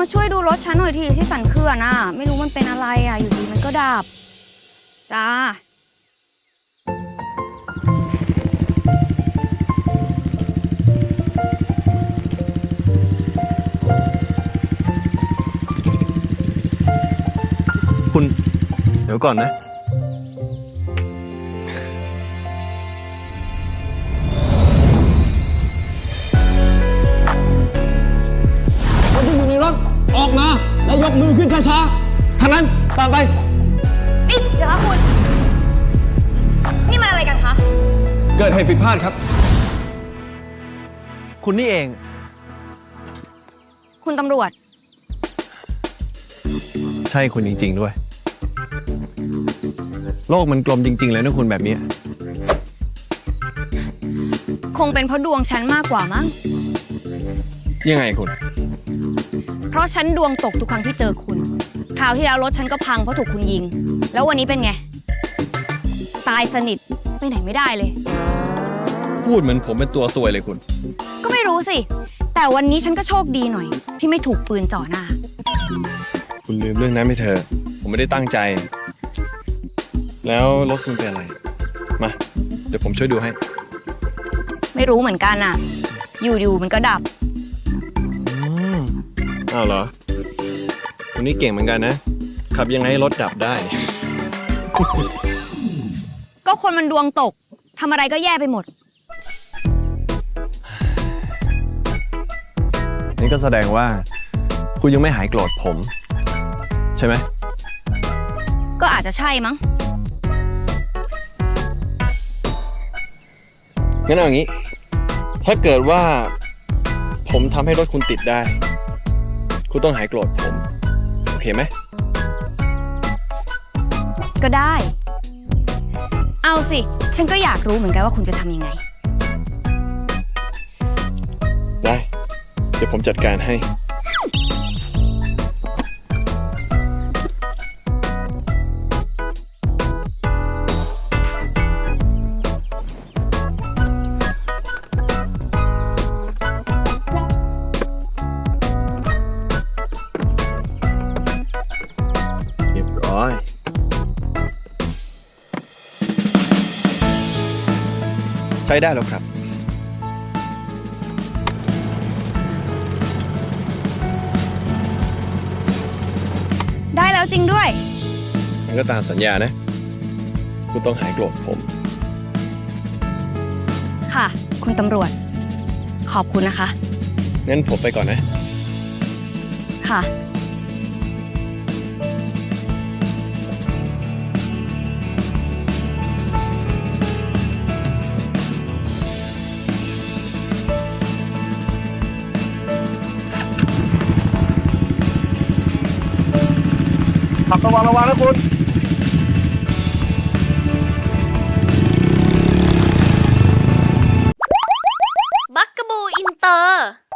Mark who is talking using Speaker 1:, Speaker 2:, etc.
Speaker 1: ช่วยดูรถฉันหน่อยทีที่สันเขื่อนอ่ะไม่รู้มันเป็นอะไรอ่ะอยู่ดีมันก็ดับจ้า
Speaker 2: คุณเดี๋ยวก่อนนะ
Speaker 3: คนที่อยู่ในรถออกมาแล้วยกมือขึ้นช้าๆทางนั้นตามไป
Speaker 1: นี่เดี๋ยวคะคุณนี่มันอะไรกันคะ
Speaker 3: เกิดเหตุผิดพลาดครับ
Speaker 2: คุณนี่เอง
Speaker 1: คุณตำรวจ
Speaker 2: ใช่คุณจริงๆด้วยโลกมันกลมจริงๆเลยนะคุณแบบนี้
Speaker 1: คงเป็นเพราะดวงฉันมากกว่ามั้ง
Speaker 2: ยังไงคุณ
Speaker 1: เพราะฉันดวงตกทุกครั้งที่เจอคุณคราวที่แล้วรถฉันก็พังเพราะถูกคุณยิงแล้ววันนี้เป็นไงตายสนิทไปไหนไม่ได้เลย
Speaker 2: พูดเหมือนผมเป็นตัวซวยเลยคุณ
Speaker 1: ก็ไม่รู้สิแต่วันนี้ฉันก็โชคดีหน่อยที่ไม่ถูกปืนจ่อหน้า
Speaker 2: คุณลืมเรื่องนั้นไปเถอะผมไม่ได้ตั้งใจ แล้วรถคุณเป็นอะไรมาเดี๋ยวผมช่วยดูให้
Speaker 1: ไม่รู้เหมือนกันอ่ะอยู่ๆมันก็ดับ
Speaker 2: อ้าวเหรอคุณนี่เก่งเหมือนกันนะขับยังไงให้รถดับได้
Speaker 1: ก็คนมันดวงตกทำอะไรก็แย่ไปหมด
Speaker 2: นี่ก็แสดงว่าคุณยังไม่หายโกรธผม ใช่ไหม
Speaker 1: ก็อาจจะใช่มั้ง
Speaker 2: งั้นเอาอย่างนี้ ถ้าเกิดว่าผมทำให้รถคุณติดได้ คุณต้องหายโกรธผม โอเคไหม
Speaker 1: ก็ได้ เอาสิฉันก็อยากรู้เหมือนกันว่าคุณจะทำยังไง
Speaker 2: ได้ เดี๋ยวผมจัดการให้ เรียบร้อย ใช้ได้แล้วครับ
Speaker 1: ได้แล้วจริงด้วย
Speaker 2: มันก็ตามสัญญานะ คุณต้องหายโกรธผม
Speaker 1: ค่ะ คุณตำรวจ ขอบคุณนะคะ
Speaker 2: งั้นผมไปก่อนนะ
Speaker 1: ค่ะ
Speaker 2: ขับระวังนะคุณ
Speaker 1: บักกะบูอินเตอร์